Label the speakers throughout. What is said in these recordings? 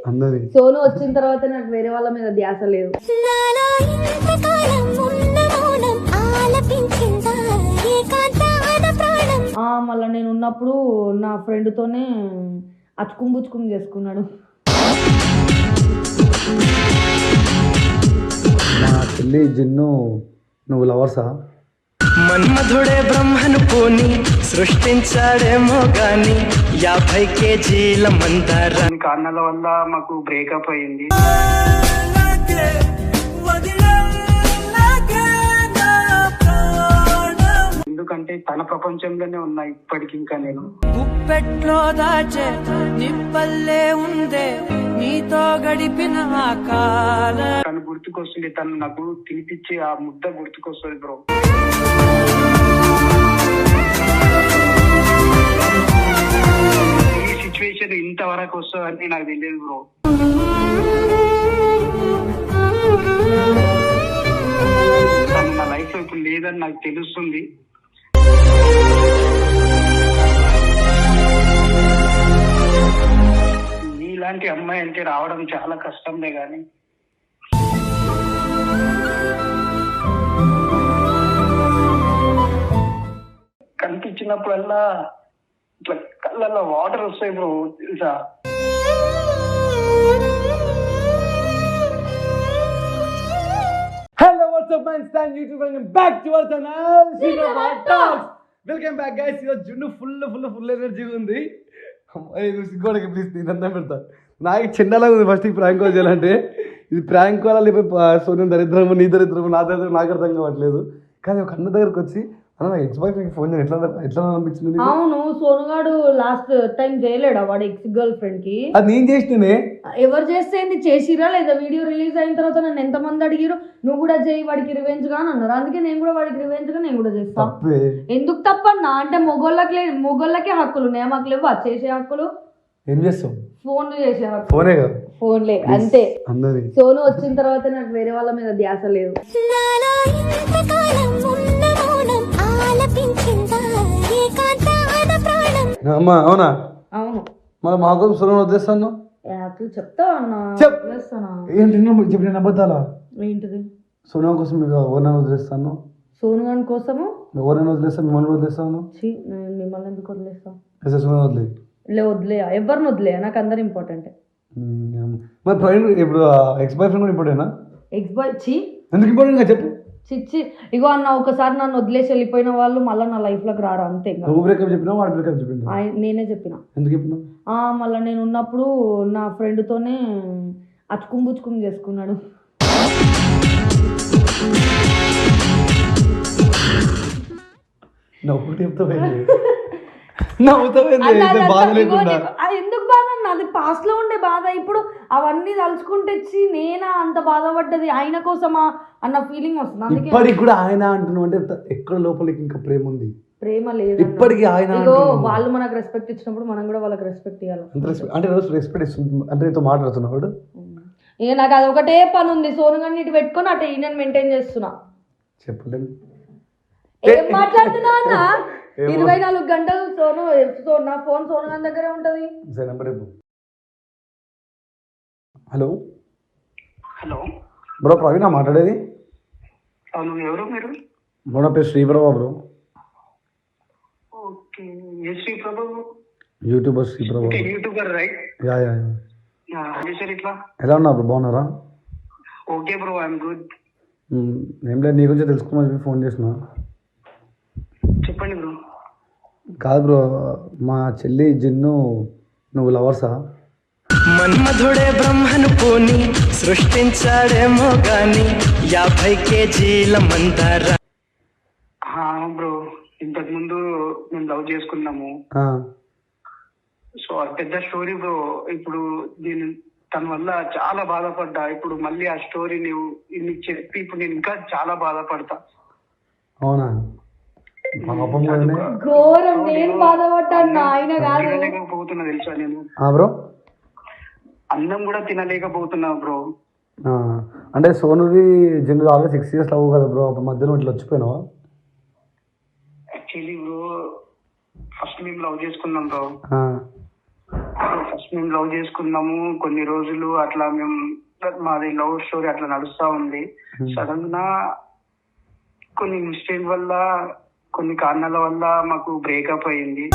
Speaker 1: అన్నది
Speaker 2: సోను వచ్చిన తర్వాత నాకు వేరే వాళ్ళ మీద ధ్యాస లేదు. మళ్ళీ నేను ఉన్నప్పుడు నా ఫ్రెండ్తోనే అచ్చుకుం చేసుకున్నాడు.
Speaker 1: మా చెల్లి జిన్ను నువ్వు లవర్సా?
Speaker 3: మన్మధుడే బ్రహ్మను పోని సృష్టించాడేమో గాని 50 కేజీల మందార
Speaker 4: కారణాల వల్ల మాకు బ్రేకప్ అయింది. ఎందుకంటే తన ప్రపంచంలోనే ఉన్నా ఇప్పటికి. ఇంకా నేను
Speaker 3: గుప్పెట్లో దాచే నిప్పల్లే ఉందే నీతో గడిపిన ఆ కాల
Speaker 4: తను గుర్తుకొస్తుంది. తను నాకు తినిపించే ఆ ముద్ద గుర్తుకొస్తుంది బ్రో. ఈ సిచ్యువేషన్ ఇంతవరకు వస్తుందని నాకు తెలియదు బ్రో. తను నా లైఫ్ లో ఇప్పుడు లేదని నాకు తెలుస్తుంది. నీలాంటి అమ్మాయి అంటే రావడం చాలా కష్టంలే గాని కనిపించినప్పుడల్లా ఇట్లా కళ్ళల్లో వాటర్ వస్తాయి బ్రో, తెలుసా?
Speaker 1: హలో వాట్సాప్ మ్యాన్ స్టాన్ YouTube welcome back to our channel Srirama talks. Welcome back guys. ఈరోజు జున్ను ఫుల్ ఎనర్జీ ఉంది. సిగ్గోడకి ప్లీజ్ నేను అన్నం పెడతా. నాకు చిన్నలా ఉంది ఫస్ట్ ఈ ప్రాంక్ కాల్ చేయాలంటే. ఇది ప్రాంక్ కాల్ లేకపోతే సోనియా దరిద్రము నీ దరిద్రము నా దరిద్రం నాకు అర్థం కావట్లేదు. కానీ ఒక అన్న దగ్గరకు వచ్చి అన్న ఎక్స్ బాయ్ ఫ్రెండ్ ఫోన్ ఎట్లా అనిపించింది?
Speaker 2: అవును, సోనుగాడు లాస్ట్ టైం చేయలేడా వాడు ఎక్స్ గర్ల్ ఫ్రెండ్ కి?
Speaker 1: అది నేను చేసినే.
Speaker 2: ఎవరు చేస్తే చేసిరా లేదా? వీడియో రిలీజ్ అయిన తర్వాత నన్ను ఎంతమంది అడిగిరు నువ్వు కూడా చేయి వాడికి రివెంజ్ గా అని అన్నారు. అందుకే నేను కూడా వాడికి రివెంజ్ గా నేను కూడా చేస్తా. ఎందుకు తప్పన్నా? అంటే మొగోళ్ళకే హక్కులు ఉన్నాయి, మాకు లేవు చేసే హక్కులు.
Speaker 1: ఏం చేస్తావు?
Speaker 2: ఫోన్లు చేసే హక్కు.
Speaker 1: ఫోనే కదా,
Speaker 2: ఫోన్లే అంతే.
Speaker 1: అన్నది
Speaker 2: సోను వచ్చిన తర్వాత నాకు వేరే వాళ్ళ మీద ధ్యాస లేదు.
Speaker 1: అమ్మా అవునా?
Speaker 2: అవును.
Speaker 1: మరి మా కోసం సోను వదిలేస్తాను
Speaker 2: చెప్తా అన్నా.
Speaker 1: ఏంటి చెప్పిన అబద్ధాలా?
Speaker 2: ఏంటిది?
Speaker 1: సోను కోసం మీకు ఎవరినైనా వదిలేస్తాను.
Speaker 2: సోను గాని కోసము
Speaker 1: ఎవరైనా వదిలేస్తాను, మిమ్మల్ని వదిలేస్తాను.
Speaker 2: మిమ్మల్ని ఎందుకు వదిలేస్తాం?
Speaker 1: వదిలే
Speaker 2: వదిలే ఎవరిని వదిలే, నాకు అందరు ఇంపార్టెంట్.
Speaker 1: మరి ఫ్రెండ్ ఇప్పుడు ఎక్స్ బాయ్ ఫ్రెండ్ కూడా ఇంపార్టెంటా?
Speaker 2: ఎక్స్ బాయ్ చి
Speaker 1: ఎందుకు ఇంపార్టెంట్ చెప్పు.
Speaker 2: చిచ్చి ఇగో అన్న, ఒకసారి నన్ను వదిలేసి వెళ్ళిపోయిన వాళ్ళు మళ్ళీ నా లైఫ్ లోకి రారు అంతే.
Speaker 1: నువ్వు బ్రేకప్ చెప్పినా వాడు బ్రేకప్ చెప్పినా?
Speaker 2: నేనే చెప్పిన.
Speaker 1: ఎందుకు చెప్పినా?
Speaker 2: మళ్ళీ నేను ఉన్నప్పుడు నా ఫ్రెండ్తోనే అచ్చుకుం చేసుకున్నాడు.
Speaker 1: నవ్వు
Speaker 2: ఎందుకు బాధ అన్న? అది పాస్ట్ లో ఉండే బాధ. ఇప్పుడు అవన్నీ తలుచుకుంటే నేనా అంత బాధపడ్డది ఆయన కోసమా అన్న ఫీలింగ్ వస్తుంది.
Speaker 1: ఇప్పటికి కూడా ఆయన అంటున్నావు అంటే ఎక్కడ లోపలికి ఇంకా ప్రేమ ఉంది?
Speaker 2: ప్రేమ లేదు
Speaker 1: ఇప్పటికీ. ఆయన
Speaker 2: వాళ్ళు మనకు రెస్పెక్ట్ ఇచ్చినప్పుడు మనం కూడా వాళ్ళకి రెస్పెక్ట్ ఇవ్వాలి.
Speaker 1: అంటే రోజు రెస్పెక్ట్ ఇస్తుంది అంటే నీతో మాట్లాడుతున్నాడు.
Speaker 2: ఇక నాకు అది ఒకటే పని ఉంది, సోను గారిని ఇటు పెట్టుకొని అటు ఈయన మెయింటైన్ చేస్తున్నా.
Speaker 1: చెప్పలేదు
Speaker 2: ఏం మాట్లాడుతున్నా అన్న? 24 గంటలు నా ఫోన్ సోను గారి దగ్గరే ఉంటది.
Speaker 1: హలో
Speaker 4: హలో
Speaker 1: బ్రో, ప్రవీణ్ మాట్లాడేది?
Speaker 4: ఎవరు మీరు?
Speaker 1: బ్రో నా పేరు Sriprabha bro.
Speaker 4: Okay, Sriprabha
Speaker 1: YouTuber Sriprabha.
Speaker 4: YouTuber right?
Speaker 1: Ya ya.
Speaker 4: ఇట్లా
Speaker 1: ఎలా ఉన్నారు బ్రో? బాగున్నారా?
Speaker 4: Okay bro, I'm good.
Speaker 1: ఏం లేదు, నీ గురించి తెలుసుకోమని ఫోన్ చేసిన.
Speaker 4: చెప్పండి బ్రో.
Speaker 1: కాదు బ్రో, మా చెల్లి జిన్ను నువ్వు లవర్సా?
Speaker 3: మన్మధుడే బ్రహ్మను పోని సృష్టించాడేమో గాని 50 కేజీల మందార.
Speaker 4: బ్రో, ఇంతకు ముందు మేము లవ్ చేసుకున్నాము. సో అది పెద్ద స్టోరీ బ్రో. ఇప్పుడు నేను తన వల్ల చాలా బాధపడ్డా. ఇప్పుడు మళ్ళీ ఆ స్టోరీ నీకు చెప్పి ఇప్పుడు నేను ఇంకా చాలా బాధపడతా.
Speaker 1: అవునా?
Speaker 2: ఘోరం. నేను బాధపడ్డాను, ఆయన కాదు.
Speaker 4: తినలేకపోతున్నా తెలుసా నేను
Speaker 1: బ్రో.
Speaker 4: అన్నం కూడా తినలేకపోతున్నా బ్రో.
Speaker 1: అంటే సోనుది జిన్ను ఆల్రెడీ 6 years లవ్ కదా బ్రో. అప్పుడు మధ్యలో ఇట్లా వచ్చిపోయినావా?
Speaker 4: యాక్చువల్లీ బ్రో, ఫస్ట్ మేము లవ్ చేసుకున్నాం బ్రో. ఫస్ట్ మేము లవ్ చేసుకున్నాము కొన్ని రోజులు అట్లా మేము మాది లవ్ స్టోరీ అట్లా నడుస్తా ఉంది. సడన్ గా కొన్ని మిస్టేక్ వల్ల కొన్ని కారణాల వల్ల మాకు బ్రేకప్ అయింది.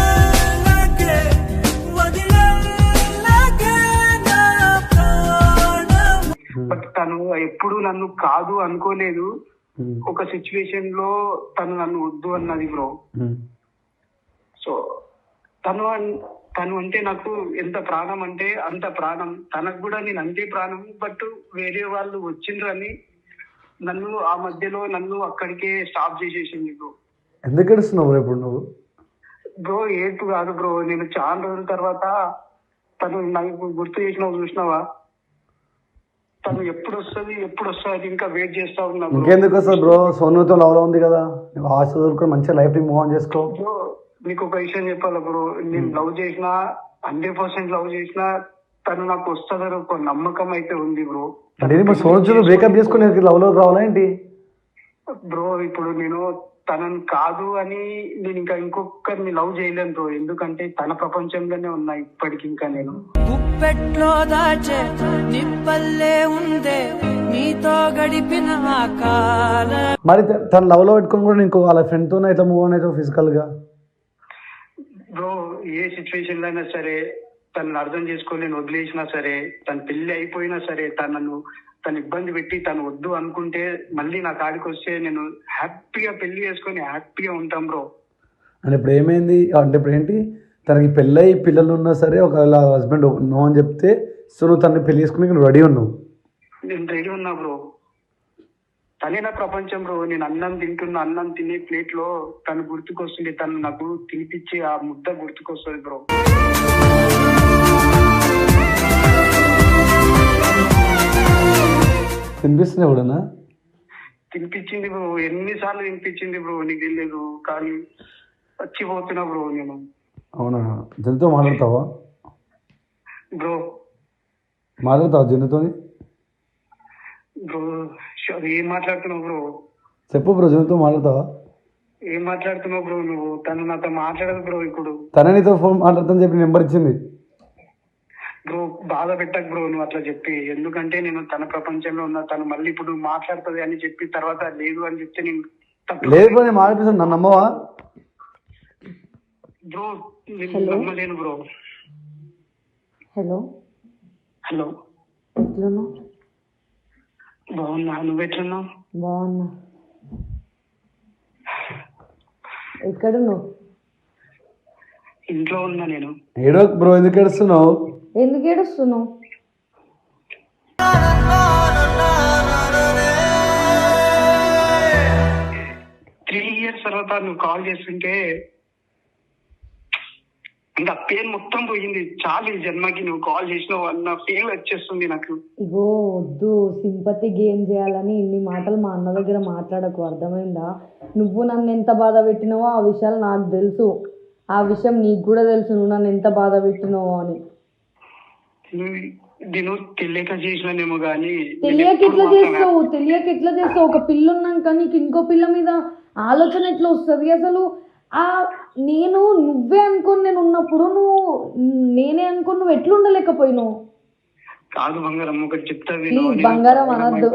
Speaker 4: బట్ తను ఎప్పుడు నన్ను కాదు అనుకోలేదు. ఒక సిచ్యువేషన్ లో తను నన్ను వద్దు అన్నది బ్రో. సో తను అంటే నాకు ఎంత ప్రాణం అంటే అంత ప్రాణం, తనకు కూడా నేను అంతే ప్రాణం. బట్ వేరే వాళ్ళు వచ్చిండ్రని నన్ను ఆ మధ్యలో నన్ను అక్కడికే స్టాప్ చేసేసింది బ్రో.
Speaker 1: ఎందుకు ఏడుస్తున్నావు ఇప్పుడు నువ్వు?
Speaker 4: బ్రో ఏటు కాదు బ్రో, నేను చాలా రోజుల తర్వాత తను నాకు గుర్తు చేసినావు చూసినావా, తను ఎప్పుడు వస్తుంది ఇంకా వెయిట్ చేస్తా ఉన్నా.
Speaker 1: ఇంకెందుకు వస్తుంది బ్రో, సోనుతో లవ్ లో ఉంది కదా, ఆశ దొరుకుని మంచిగా లైఫ్ ని మూవ్ ఆన్ చేసుకో.
Speaker 4: బ్రో నీకు ఒక విషయం చెప్పాలా బ్రో, నేను లవ్ చేసిన 100% లవ్ చేసిన తను నాకు వస్తుందని ఒక నమ్మకం అయితే ఉంది బ్రో.
Speaker 1: సోనుతో బ్రేకప్ చేసుకుని లవ్ లో రావాలా ఏంటి
Speaker 4: బ్రో? ఇప్పుడు నేను తనని కాదు అని నేను ఇంకా ఇంకొకరిని లవ్ చేయలేను బ్రో, ఎందుకంటే తన ప్రపంచంలోనే ఉన్నా ఇప్పటికి. ఇంకా నేను
Speaker 3: గుప్పెట్లో దాచే నిప్పల్లే ఉందే నీతో గడిపిన కాలం.
Speaker 1: మరి తన లవ్ లో పెట్టుకుని కూడా ఇంకో వాళ్ళ ఫ్రెండ్ తోనే ఇట్లా మూవ్ ఆన్ అయితే ఫిజికల్ గా?
Speaker 4: బ్రో ఏ సిచ్యువేషన్ లో అయినా సరే తనను అర్థం చేసుకోలేని వదిలేసినా సరే, తన పెళ్లి అయిపోయినా సరే, తను ఇబ్బంది పెట్టి తను వద్దు అనుకుంటే మళ్ళీ నా కాడికి వస్తే నేను హ్యాపీగా పెళ్లి చేసుకొని హ్యాపీగా ఉంటాం బ్రో.
Speaker 1: అంటే ఇప్పుడు ఏమైంది అంటే ఇప్పుడు ఏంటి, తనకి పెళ్ళై పిల్లలు ఉన్నా సరే ఒకవేళ హస్బెండ్ నో అని చెప్తే సో నువ్వు తనని పెళ్లి చేసుకుని నువ్వు రెడీ ఉన్నావు?
Speaker 4: నేను రెడీ ఉన్నా బ్రో, తనే నా ప్రపంచం బ్రో. నేను అన్నం తినే ప్లేట్ లో తను గుర్తుకొస్తుంది, తను నాకు తినిపించి ఆ ముద్ద గుర్తుకొస్తుంది బ్రో.
Speaker 1: తినిపిస్తున్నా ఎప్పుడన్నా?
Speaker 4: తినిపించింది బ్రో, ఎన్నిసార్లు తినిపించింది బ్రో నీకు తెలియదు, కానీ వచ్చిపోతున్నా బ్రో నేను.
Speaker 1: అవునా, జనుతో మాట్లాడతావా
Speaker 4: బ్రో?
Speaker 1: మాట్లాడతావా జనుతోని?
Speaker 4: బ్రో ఏం మాట్లాడుతున్నావు బ్రో?
Speaker 1: చెప్పు బ్రో, జనుతో మాట్లాడతావా?
Speaker 4: ఏం మాట్లాడుతున్నావు బ్రో నువ్వు? తను నాతో మాట్లాడదు బ్రో ఇప్పుడు.
Speaker 1: తనే నీతో ఫోన్ మాట్లాడతాను చెప్పి నెంబర్ ఇచ్చింది
Speaker 4: బ్రో. బాధ పెట్టకు బ్రో నువ్వు అట్లా చెప్పి, ఎందుకంటే నేను తన ప్రపంచంలో ఉన్నా. తను మళ్ళీ ఇప్పుడు మాట్లాడుతుంది అని చెప్పి తర్వాత లేదు అని చెప్తే నేను
Speaker 1: లేదు బ్రో, నేను మాట్లాడుతాను, నన్ను నమ్మవా
Speaker 4: బ్రో? నేను నమ్మలేను బ్రో.
Speaker 2: హలో
Speaker 4: హలో,
Speaker 2: ఎట్లున్నావు?
Speaker 4: బాగున్నా, నువ్వు ఎట్లున్నావు?
Speaker 2: బాగున్నా. ఎక్కడున్నావు?
Speaker 4: ఇంట్లో ఉన్నా నేను.
Speaker 1: ఏడో బ్రో, ఎందుకు ఏడుస్తున్నావు?
Speaker 2: ఎందుకు ఏడుస్తున్నావు?
Speaker 4: త్రీ ఇయర్స్ తర్వాత నువ్వు కాల్ చేస్తుంటే ఇంకా పెయిన్ మొత్తం పోయింది. చాలా ఈ జన్మకి నువ్వు కాల్ చేసినావు అన్న ఫీల్ వచ్చేస్తుంది నాకు.
Speaker 2: ఇగో వద్దు, సింపతి గేమ్ చేయాలని ఇన్ని మాటలు మా అన్న దగ్గర మాట్లాడకు, అర్థమైందా? నువ్వు నన్ను ఎంత బాధ పెట్టినావో ఆ విషయాలు నాకు తెలుసు, ఆ విషయం నీకు కూడా తెలుసు, నువ్వు నన్ను ఎంత బాధ పెట్టినావో అని.
Speaker 4: నేను తెలియక చేసినానేమో కానీ.
Speaker 2: తెలియక ఎట్లా చేస్తావు? ఒక పిల్ల ఉన్నాక నీకు ఇంకో పిల్ల మీద ఆలోచన ఎట్లా వస్తుంది అసలు? నేను నువ్వే అనుకోని నేను ఉన్నప్పుడు నేనే అనుకోని నువ్వు ఎట్లా ఉండలేకపోయినావు?
Speaker 4: కాదు బంగారం, ఒకటి చెప్తా.
Speaker 2: ప్లీజ్ బంగారం అనద్దు.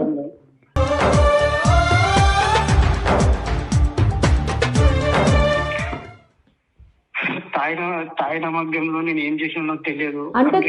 Speaker 4: తాయిన మధ్యంలో నేను ఏం చేసినా తెలియదు.
Speaker 2: అంటే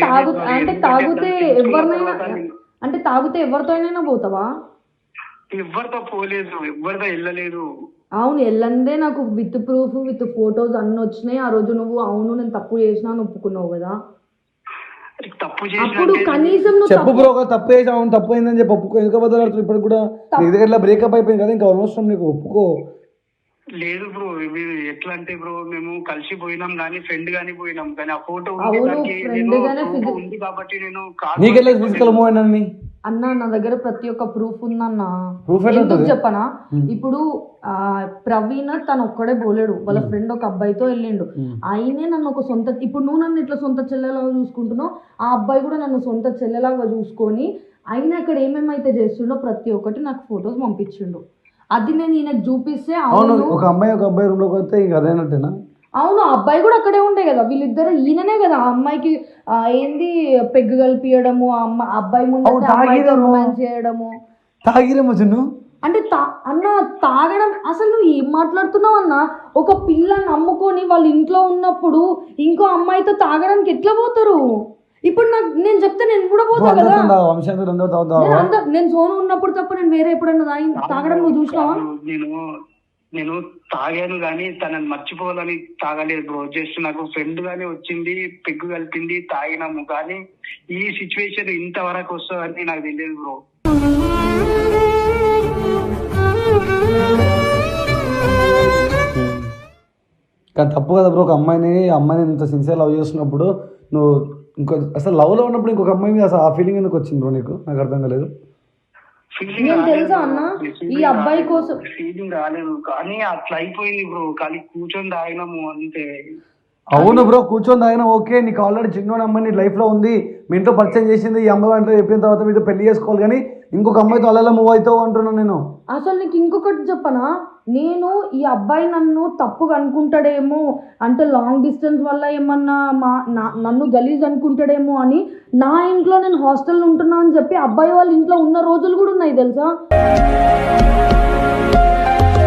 Speaker 2: తాగితే ఎవరితోనైనా పోతావా?
Speaker 4: ఎవరితో పోలేదు, ఎవరితో వెళ్ళలేదు.
Speaker 2: అవును, వెళ్ళందే నాకు విత్ ప్రూఫ్ విత్ ఫొటోస్ అన్ని వచ్చినాయి. ఆ రోజు నువ్వు అవును నేను తప్పు చేసినా అని ఒప్పుకున్నావు కదా.
Speaker 4: తప్పు
Speaker 2: అప్పుడు కనీసం
Speaker 1: చెప్పు బ్రో, తప్పు చేసావు, తప్పు అయిందని చెప్పి ఒప్పుకో. ఎందుకు బదులు ఇప్పుడు కూడా నీ దగ్గర బ్రేకప్ అయిపోయింది కదా, ఇంకా అవసరం నీకు, ఒప్పుకో.
Speaker 4: లేదు బ్రో, ఇవి ఎట్లా అంటే బ్రో, మేము కలిసి పోయినాం కానీ ఫ్రెండ్ గానీ పోయినాం కానీ ఆ ఫోటో ఉంది కాబట్టి నేను
Speaker 1: నీకెళ్ళి ఫిజికల్ మూవ్ అయినా
Speaker 2: అన్న నా దగ్గర ప్రతి ఒక్క ప్రూఫ్ ఉందన్న. ఎందుకు చెప్పనా, ఇప్పుడు ప్రవీణ్ తను ఒక్కడే పోలేడు, వాళ్ళ ఫ్రెండ్ ఒక అబ్బాయితో వెళ్ళిండు. ఆయనే నన్ను ఒక సొంత, ఇప్పుడు నువ్వు నన్ను ఇట్లా సొంత చెల్లెలాగా చూసుకుంటున్నావు, ఆ అబ్బాయి కూడా నన్ను సొంత చెల్లెలాగా చూసుకొని ఆయన అక్కడ ఏమేమైతే చేస్తుండో ప్రతి ఒక్కటి నాకు ఫొటోస్ పంపించిండు. అది నేను ఈయనకు చూపిస్తే
Speaker 1: అవును, ఒక అమ్మాయి రూమ్ లోకి వస్తే ఇక అదేనట్టేనా?
Speaker 2: అవును, ఆ అబ్బాయి కూడా అక్కడే ఉండే కదా, వీళ్ళిద్దరు ఈయననే కదా ఆ అమ్మాయికి ఏంది పెగ్గు కలిపియడము, అబ్బాయి ముందు రొమాన్స్ చేయడము.
Speaker 1: తాగిరేమో జున్ను.
Speaker 2: అంటే అన్న తాగడం, అసలు నువ్వు ఏం మాట్లాడుతున్నావు అన్న? ఒక పిల్లని నమ్ముకొని వాళ్ళ ఇంట్లో ఉన్నప్పుడు ఇంకో అమ్మాయితో తాగడానికి ఎట్లా పోతారు? ఇప్పుడు నేను చెప్తే నేను కూడా పోతా కదా. నేను సోను ఉన్నప్పుడు తప్ప నేను వేరే ఎప్పుడన్నా తాగడం నువ్వు చూసినావా?
Speaker 4: నేను తాగాను కానీ తనని మర్చిపోవాలని తాగలేదు బ్రో. జస్ట్ నాకు ఫ్రెండ్ గానే వచ్చింది, పెగ్గు కలిపింది, తాగినాము. కానీ ఈ సిచ్యువేషన్ ఇంతవరకు వస్తుందని నాకు తెలియదు బ్రో.
Speaker 1: కానీ తప్పు కదా బ్రో, ఒక అమ్మాయిని ఇంత సిన్సియర్ లవ్ చేస్తున్నప్పుడు నువ్వు అసలు లవ్లో ఉన్నప్పుడు ఇంకొక అమ్మాయి మీద అసలు ఆ ఫీలింగ్ ఎందుకు వచ్చింది బ్రో నీకు? నాకు అర్థం కాలేదు.
Speaker 2: నేను తెలుసా అన్న ఈ అబ్బాయి కోసం
Speaker 4: ఫీలింగ్ రాలేదు, కానీ అట్లా అయిపోయింది బ్రో. కానీ కూర్చొని తాగినాము అంతే.
Speaker 1: అవును బ్రో, కూర్చొని తాగినా ఓకే. నీకు ఆల్రెడీ చిన్న అమ్మాయి నీ లైఫ్లో ఉంది, మీ ఇంట్లో పరిచయం చేసింది, ఈ అమ్మాయి అంటే చెప్పిన తర్వాత మీతో పెళ్లి చేసుకోవాలి, కానీ ఇంకొక అమ్మాయితో అలా మూవ్ అవుతావు అంటున్నాను నేను.
Speaker 2: అసలు నీకు ఇంకొకటి చెప్పనా, నేను ఈ అబ్బాయి నన్ను తప్పుగా అనుకుంటాడేమో అంటే లాంగ్ డిస్టెన్స్ వల్ల ఏమన్నా నన్ను గలీజ్ అనుకుంటాడేమో అని నా ఇంట్లో నేను హాస్టల్లో ఉంటున్నా అని చెప్పి అబ్బాయి వాళ్ళ ఇంట్లో ఉన్న రోజులు కూడా ఉన్నాయి తెలుసా.